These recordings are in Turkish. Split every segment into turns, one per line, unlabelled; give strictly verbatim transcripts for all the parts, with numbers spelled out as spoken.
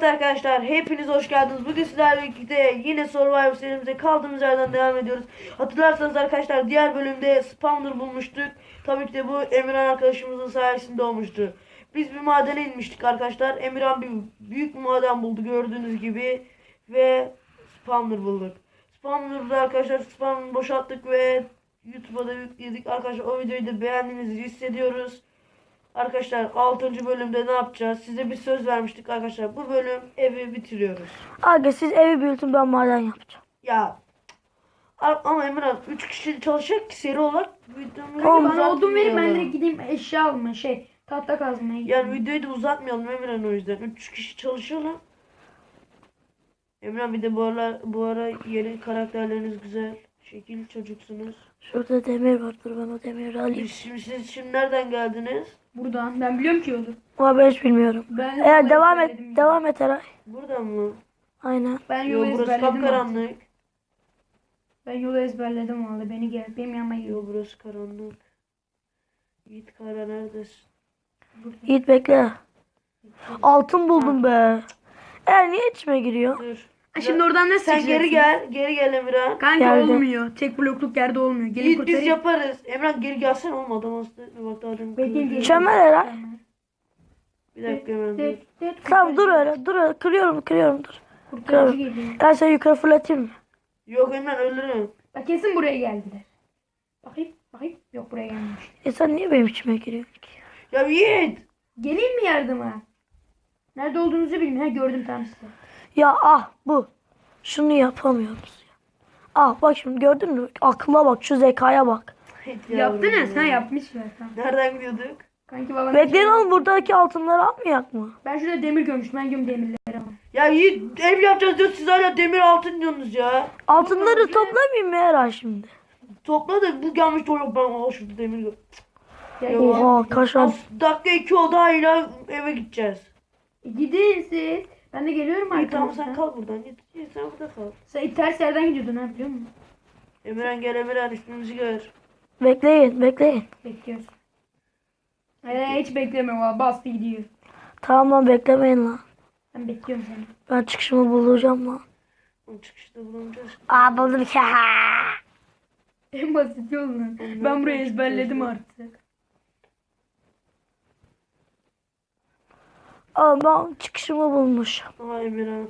arkadaşlar, hepiniz hoş geldiniz. Bugün sizlerle birlikte yine Survivor serimize kaldığımız yerden devam ediyoruz. Hatırlarsanız arkadaşlar, diğer bölümde spawner bulmuştuk. Tabii ki de bu Emirhan arkadaşımızın sayesinde olmuştu. Biz bir madene inmiştik arkadaşlar. Emirhan bir büyük bir maden buldu gördüğünüz gibi. Ve spawner bulduk. Spawner'da arkadaşlar spawner'ı boşalttık ve YouTube'a da yükledik. Arkadaşlar o videoyu da beğendiğinizi hissediyoruz. Arkadaşlar altıncı bölümde ne yapacağız? Size bir söz vermiştik arkadaşlar. Bu bölüm evi bitiriyoruz.
Aga siz evi büyütün, ben maden yapacağım.
Ya ama Emrah üç kişi çalışacak ki seri olarak videomu
Tamam,
Bana odun verin, ben
uzatmayalım.
direkt gideyim eşya alma şey tahta kazmaya gideyim.
Yani videoyu da uzatmayalım Emrah, o yüzden. üç kişi çalışalım. Emrah bir de bu ara, bu ara yeni karakterleriniz güzel. Şekil çocuksunuz.
Şurada demir var, dur ben o demiri alayım.
Siz şimdi, siz şimdi nereden geldiniz?
Buradan ben biliyorum ki yolu.
Ama ben hiç bilmiyorum.
Ben
Eğer
yolu
devam et,
ezberledim.
devam et Eray.
Buradan mı?
Aynen.
Ben
Yo,
yolu
burası
ezberledim. artık.
kapkaranlık.
Ben yolu ezberledim vallahi, beni gel benim yanıma gel.
Yo, burası karanlık. Yiğit Kara neredesin?
Yiğit bekle. Altın buldum be. Eğer niye içime giriyor?
Dur.
Ha, şimdi oradan nasıl
Sen geri
çıkacaksın?
gel. Geri gel Emirhan.
Kanka
Geldim.
olmuyor. Tek blokluk yerde olmuyor. Gelin
Yiğit biz
kurtarayım.
yaparız. Emrah geri gelsene, olmadı ama bak daha demin
Bekleyin,
kırıldı.
gelin.
Çömel Eray.
Bir dakika Emrah dur.
Tamam dur öyle, dur öyle. Kırıyorum, kırıyorum, dur.
Kurtarıcı geliyor.
Ben seni yukarı fırlatayım mı?
Yok Emrah, ölürüm.
Bak kesin buraya geldiler. Bakayım bakayım. Yok, buraya gelmemiş.
E sen niye benim içime giriyorsun ki?
Ya Yiğit.
Geleyim mi yardıma? Nerede olduğunuzu bilmiyorum. Ha, gördüm tam size.
Ya ah bu. Şunu yapamıyoruz ya. Ah bak şimdi gördün mü? Aklıma bak, şu zekaya bak.
Yaptınız ha, yapmışlar tamam.
Nereden gidiyorduk?
Kanki babam.
Bekleyin oğlum, buradaki altınları almayak mı?
Ben şurada demir görmüştüm. Ben göm demirleri ama.
Ya Yiğit, ev yapacağız diyor, siz hala demir altın diyorsunuz ya.
Altınları toplamayayım mı Eray şimdi?
Topla da bu gelmiş de yok, ben al şurada demir gör.
Ya,
Yok.
Oha kaşan.
Az dakika iki oldu, hala eve gideceğiz.
E, gidin siz. Ben de geliyorum
İyi tamam, sen
arkamızdan.
kal buradan. Yiğit, Yiğit sen burada kal.
Sen ters yerden gidiyordun ha, biliyor musun?
Emirhan gel, Emirhan ismimizi gör.
Bekleyin, bekleyin.
Bekliyorsun. Ee, hiç bekleme valla, bastı gidiyor.
Tamam lan, beklemeyin lan.
Ben bekliyorum seni.
Ben çıkışımı bulacağım lan.
Onun çıkışta bulunacağız.
Aa buldum ki.
En basit yol lan.
Oğlum,
Ben burayı
nereden
ezberledim
çıkıyorsun?
artık.
Aa ben çıkışımı bulmuşum.
Aha Emirhan.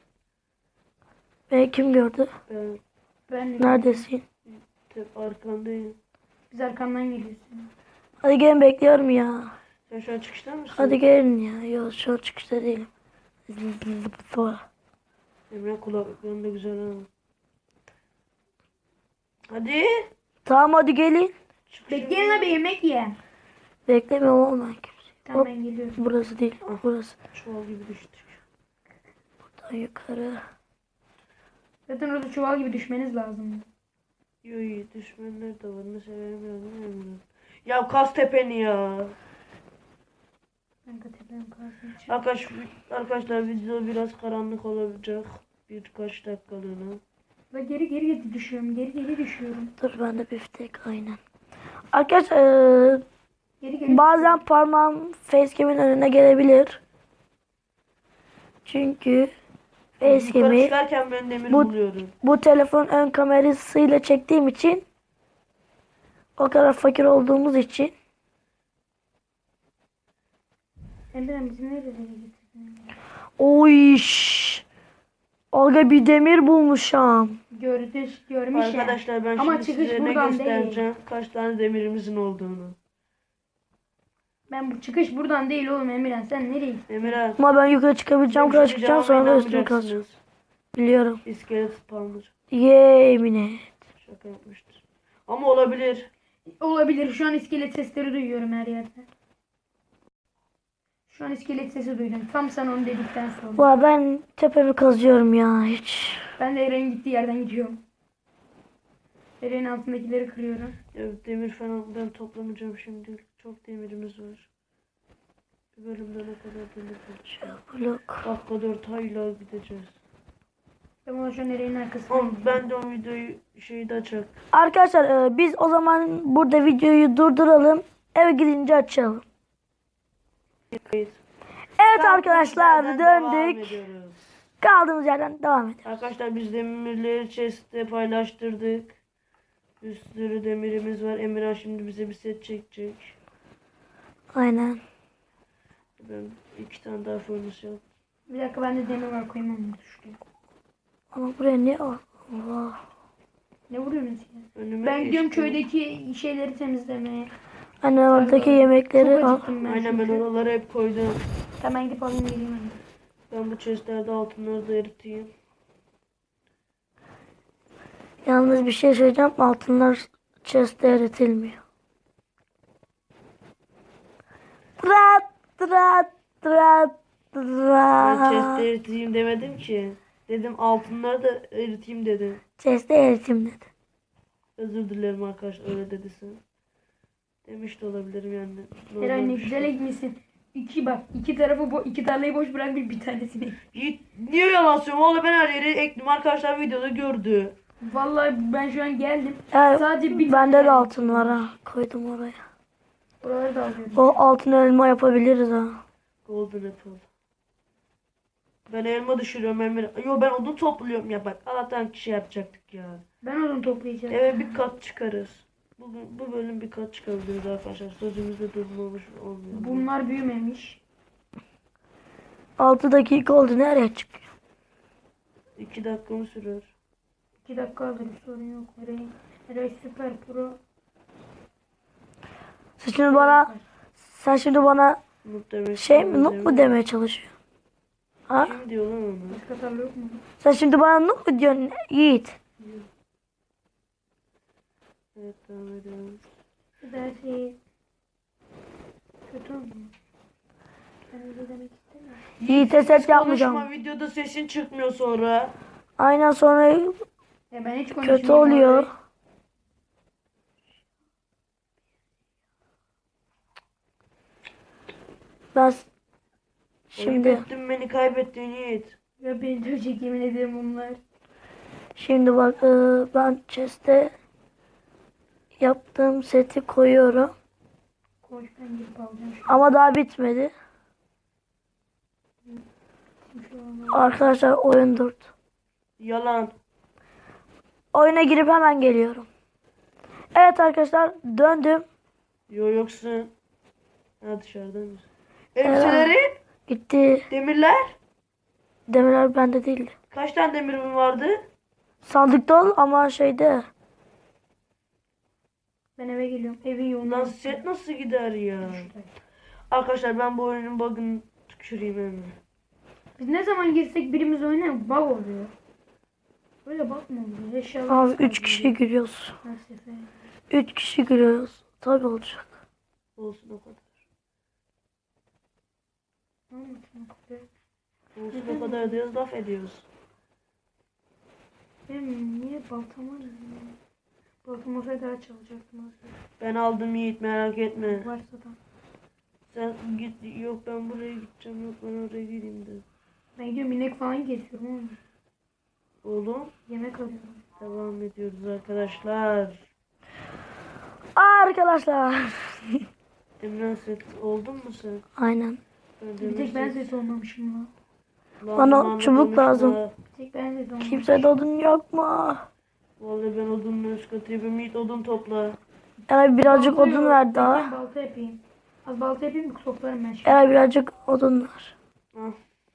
Beni kim gördü?
Ben
Ben
Neredesin?
hep arkandayım.
Biz arkamdan geliyorsun.
Hadi gelin, bekliyorum ya.
Sen şu an çıkışta mısın?
Hadi gelin ya. Yok şu an çıkışta değilim. Sonra.
Emre kulaklıkların da güzel ha. Hadi.
Tamam hadi gelin.
Çıkışa
Bekleyin abi, yemek ye.
Beklemiyorum oğlum ben kimseyi.
Tamam,
Hop.
ben geliyorum.
Burası değil. Burası.
Çuval gibi düştük.
Buradan yukarı.
Zaten orada çuval gibi düşmeniz lazım.
Yo yo, düşmanlar da var. Mesela Emre, Emre. Ya kas tepeni ya.
Kanka tepem kalsın.
Arkadaş, arkadaşlar video biraz karanlık olacak. Birkaç dakikalığına.
Ve geri geri geri düşüyorum. Geri geri düşüyorum.
Dur ben de biftek aynen. Arkadaşlar eee,
Geri geri.
bazen parmağım facecam'in önüne gelebilir. Çünkü
Yukarı
facecam'i
çıkarken ben demir
Bu-
buluyorum.
bu telefonun ön kamerasıyla çektiğim için, o kadar fakir olduğumuz için
Emre'm bizi nereye getirdin?
oy şş. Aga bir demir bulmuşum.
Gördü, görmüş ya.
Arkadaşlar ben
Ama
şimdi
çıkış
size ne
buradan
göstereceğim. Kaç tane demirimizin olduğunu.
Ben bu çıkış buradan değil oğlum Emirhan, sen nereye gittin?
Emre.
Ama ben yukarı çıkabileceğim kadar çıkacağım, sonra da üstüme kazacağım.
kazacağız.
Biliyorum.
İskelet spawner.
Yemin et.
Şaka yapmıştır. Ama olabilir.
Olabilir, şu an iskelet sesleri duyuyorum her yerde. Şu an iskelet sesi duydum. Tam sen onu dedikten sonra.
Valla ben tepemi kazıyorum ya hiç.
Ben de Eren'in gittiği yerden gidiyorum. Eren'in altındakileri kırıyorum.
Ya demir falan ben toplamayacağım şimdi. Çok demirimiz var. Bir bölümde ne kadar demir var.
Blok.
Dakika dört hala gideceğiz.
Ben ona şu an Eren'in arkasına
Ama
gidiyorum.
ben de o videoyu şeyi de açak.
Arkadaşlar e, biz o zaman burada videoyu durduralım. Eve gidince açalım.
Kayıt.
Evet
Kaldığımız
arkadaşlar
yerden devam
döndük.
ediyoruz.
Kaldığımız yerden devam edelim.
Arkadaşlar biz demirleri chest'te paylaştırdık. Bir sürü demirimiz var. Emirhan şimdi bize bir set çekecek.
Aynen.
Ben iki tane daha furnace yap.
Bir dakika ben de demir var koyayım onu şuraya.
Ama buraya ne var? Allah.
Ne vuruyorsunuz ya?
Önüme
Ben gidiyorum
geçti.
köydeki şeyleri temizlemeye.
Anne oradaki
Çok
yemekleri al.
acıktım ben
Aynen ben
çünkü.
oraları hep koydum.
Hemen gidip alayım geleyim ben.
Ben bu chestlerde altınları da eriteyim.
Yalnız bir şey söyleyeceğim. Altınlar chest'te eritilmiyor. Trat trat trat
Ben
trat.
chest'te eriteyim demedim ki. Dedim altınları da eriteyim dedim.
Chest'te eritim dedi.
Özür dilerim arkadaşlar öyle dediyse. Demiş de olabilirim yani. Normal
Eray ne
bir şey.
güzel ekmişsin. İki bak iki tarafı bo iki tarlayı boş bırak bir, bir tanesini ek.
Yiğit, niye yalan söylüyorsun? Valla ben her yeri ektim. Arkadaşlar videoda gördü.
Vallahi ben şu an geldim.
Ya,
Sadece bir
bende
tane
de altın var ha. Koydum oraya.
Oraları da alıyorum.
O altın elma yapabiliriz ha.
Golden apple. Ben elma düşürüyorum Emir. Yo ben odun topluyorum ya bak. Allah'tan kişi yapacaktık ya.
Ben onu toplayacağım.
Eve bir kat çıkarız. Bugün bu bölüm bir kat çıkabiliriz arkadaşlar. Sözümüzde durmamış olmuyor.
Bunlar büyümemiş.
altı dakika oldu. Nereye çıkıyor?
iki dakika mı sürer?
iki dakika alır sorun yok. Eray, Eray süper pro.
Sen şimdi bana sen şimdi bana
Noob demek
şey mi
istemez
noob mu
Emir.
demeye çalışıyorsun? Ha?
Kim diyor lan onu?
Başka tarla yok mu?
Sen şimdi bana noob mu diyorsun Yiğit?
Evet devam edelim.
Dersi kötü oldu. Kendinize demek istemiyorum.
Yiğit'e set yapmayacağım.
Konuşma videoda sesin çıkmıyor sonra.
Aynen sonra
Ya ben hiç konuşmayayım.
kötü oluyor. Ben s- şimdi
Kaybettin beni kaybettin Yiğit.
Ya beni dövecek yemin ederim onlar.
şimdi bak e, ben chest'e yaptığım seti koyuyorum.
Koş ben gidip alacağım şu
Ama daha bitmedi.
şu an.
Arkadaşlar oyun durdu.
Yalan.
Oyuna girip hemen geliyorum. Evet arkadaşlar döndüm.
Yo yoksun. Ha dışarıda mısın? Elbiselerin,
Gitti.
demirler.
Demirler bende değildi.
Kaç tane demirim vardı?
Sandıkta ol ama şeyde.
Ben eve geliyorum. Evin yoluna.
Lan set nasıl gider ya? Arkadaşlar ben bu oyunun bug'ını tüküreyim hemen.
Biz ne zaman girsek birimiz oynar bug oluyor. Böyle bug mı oluyor? Eşyalar
Abi üç kişi giriyoruz.
her sefer.
Üç kişi giriyoruz. Tabii olacak.
Olsun o kadar.
Ne anlatıyorsun kızı?
Olsun o kadar diyoruz laf ediyoruz.
Benim niye baltam var ya? Baltam olsaydı daha çalacaktım aslında.
Ben aldım Yiğit merak etme.
Varsa da.
Sen git yok ben buraya gideceğim yok ben oraya gideyim de.
Ben gidiyorum inek falan kesiyorum oğlum.
Oğlum
Yemek arıyorum.
devam ediyoruz arkadaşlar.
Arkadaşlar.
Emran set oldun mu sen?
Aynen.
Ben
Bir tek ben ses olmamışım lan.
Lan
Bana
lan
çubuk
konuşma.
lazım.
Bir tek ben ses olmamışım.
Kimse de odun yok mu?
Vallahi ben odunun üst katı yapayım. Yiğit odun topla.
Eray birazcık
Balta
odun
yok.
ver
Ben
daha.
balta yapayım. Az balta yapayım mı toplarım ben şimdi.
Eray birazcık odun ver.
Ah.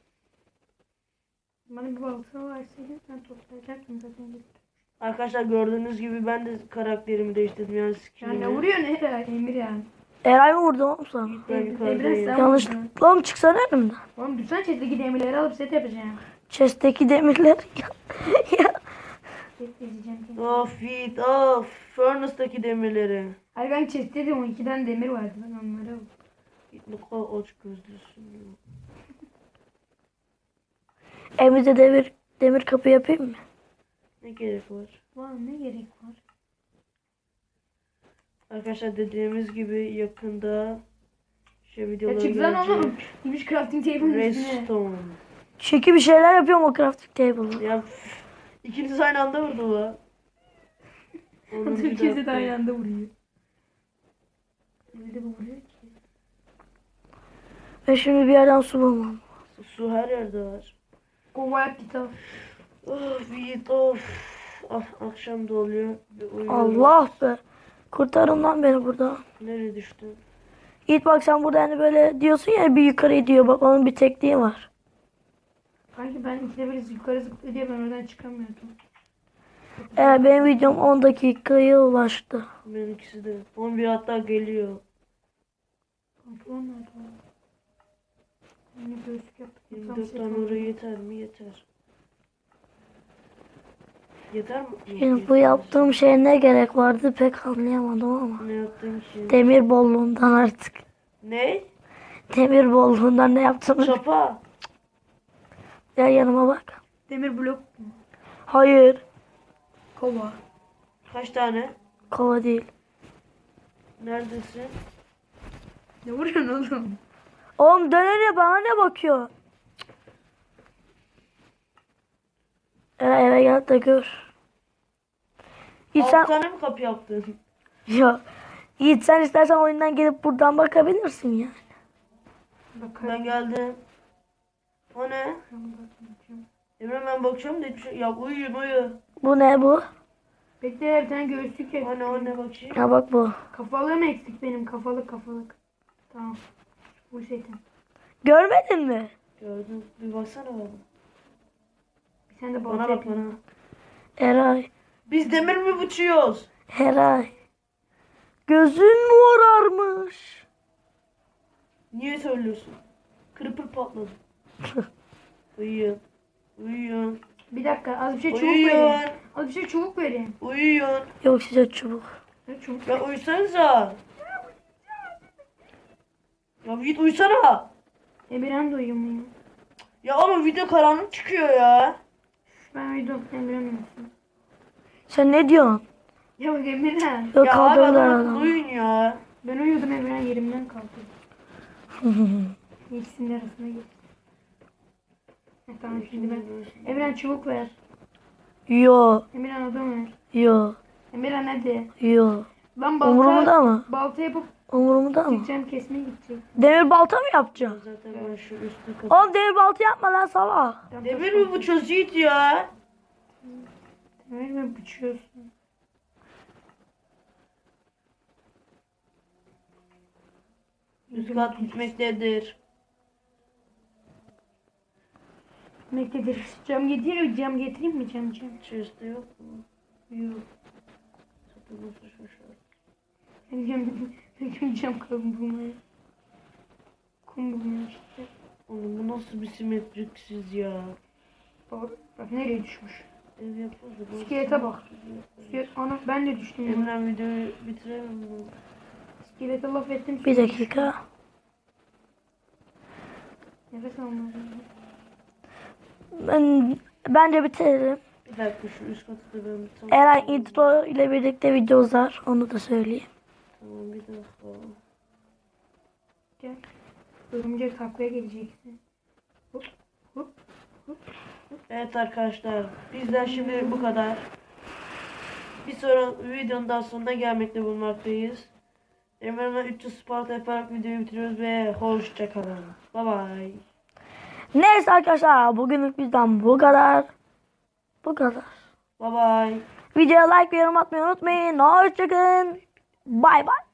Bana bir balta verseydin ben toplayacaktım zaten.
Arkadaşlar gördüğünüz gibi ben de karakterimi değiştirdim yani
Ya
skinimi.
ne vuruyor ne Eray? Emir yani.
Eray mı vurdu oğlum sana?
Ben
Emir
yukarıdayım.
sen
Yanlış.
vurdun.
Oğlum çıksana elimden.
Oğlum düşsene çetteki demirleri alıp set yapacağım.
Chest'teki demirler. Ya.
Set diyeceğim kendime.
Of Yiğit of. Furnace'daki demirleri.
Hayır ben chest'te de on iki tane demir vardı ben onları aldım.
Yiğit ne kadar aç gözlüsün ya.
Evimize demir, demir kapı yapayım mı?
Ne gerek var?
Vay ne gerek var?
Arkadaşlar dediğimiz gibi yakında şey videoları
Ya çık lan
gelecek.
oğlum. Gümüş crafting table'ın üstüne.
Redstone.
Çünkü bir şeyler yapıyorum o crafting table'da.
Ya üf, ikiniz aynı anda vurdu la. Onun bir
Türkiye'de de
dakika.
aynı anda vuruyor. Öyle bu vuruyor ki.
Ben şimdi bir yerden su bulmam.
Su her yerde var.
Kova yap git al.
Of Yiğit of. Ah, akşam da oluyor. Bir uyuyorum.
Allah be. Kurtarın lan beni buradan.
Nereye düştün?
Yiğit bak sen burada hani böyle diyorsun ya bir yukarı gidiyor. Bak onun bir tekniği var.
Kanki ben ikide bir yukarı zıplıyor diye ben oradan çıkamıyordum.
Eğer benim videom on dakikaya ulaştı.
Benimkisi de. on bir hatta geliyor.
Pantolon nerede o? Yine göğüslük yaptık.
yirmi
Tam
dört
set
tane
oldu.
oraya yeter mi? Yeter. Yeter mi? Yok,
Şimdi bu
yetmez.
yaptığım şeye ne gerek vardı pek anlayamadım ama.
Ne yaptın ki?
Demir bolluğundan artık.
Ne?
Demir bolluğundan ne yaptım?
Çapa.
Gel yanıma bak.
Demir blok mu?
Hayır.
Kova.
Kaç tane?
Kova değil.
Neredesin?
Ne vuruyorsun oğlum?
Oğlum dönene bana ne bakıyor? Eve, eve gel de gör. Yiğit
Altı
sen,
tane mi kapı yaptın?
ya, Yiğit sen istersen oyundan gelip buradan bakabilirsin ya.
Bakarım.
Ben geldim. O ne? Emre ben bakıyorum da hiçbir şey. Ya uyuyun uyu.
Bu ne bu?
Bekle bir tane göğüslük eksik.
O ne o ne bakayım.
Ya bak bu.
Kafalığım eksik benim. Kafalık kafalık. Tamam. Bu setin.
Görmedin mi?
Gördüm. Bir baksana bana.
Bir sen de balta
Bana bak
yapayım.
bana.
Eray.
Biz demir mi biçiyoruz?
Eray. Gözün morarmış.
Niye söylüyorsun? Kırpır patladı. Uyuyun. Uyuyun.
Bir dakika az bir şey çubuk
Uyuyun.
vereyim. Az bir şey çubuk vereyim.
Uyuyun.
Yok size çubuk.
Ne çubuk?
Ya uyusanıza. Ya Yiğit uysana.
Emirhan da uyumuyor.
Ya oğlum video karanlık çıkıyor ya.
Ben uyudum. Emirhan uyusun.
Sen ne diyorsun?
Ya bak Emirhan.
Yok
Ya abi
kaldırdılar
adam
adamı.
uyuyun ya.
Ben uyudum Emirhan yerimden kalktı. İkisinin arasına geçti. Ha, tamam şimdi ben. Emirhan çubuk ver.
Yo.
Emirhan odun ver.
Yo.
Emirhan hadi.
Yo.
Ben balta,
Umurumda mı?
balta yapıp
Umurumda mı?
gideceğim kesmeye gidecek.
Demir balta mı yapacaksın?
Zaten ben şu üstü kapı.
Oğlum demir balta yapma lan salak.
Tamam,
Demir
tamam.
mi bu çöz Yiğit ya?
Demir mi biçiyorsun?
Üst kat bitmektedir.
Bitmektedir. Cam getireyim, cam getireyim mi cam cam?
Chest'te yok mu?
Yok.
Satın sıçmışlar.
Ben cam, ben cam kalın bulmaya. Kum bulmaya işte.
Oğlum bu nasıl bir simetriksiz ya?
Bak, bak nereye düşmüş.
Ev yapıldı. bu
İskelete bak.
simetriksiz.
İskelet, ana ben de düştüm ya.
Emre videoyu bitiremem mi?
İskelete laf ettim.
Bir dakika.
Nefes almam.
Ben bence bitirelim.
Bir dakika şu üst katı da ben bir tam...
Eray intro ile birlikte video uzar. Onu da söyleyeyim.
Tamam bir dakika.
Gel. Örümcek taklaya geleceksin. Hop hop.
Evet arkadaşlar bizden şimdi bu kadar. Bir sonraki videonun daha sonuna gelmekte bulunmaktayız. Emre'nin üç yüz Sparta yaparak videoyu bitiriyoruz ve hoşçakalın. Bye bye.
Neyse arkadaşlar bugünlük bizden bu kadar. Bu kadar.
Bye bye.
Videoya like ve yorum atmayı unutmayın. Hoşçakalın. Bay bay.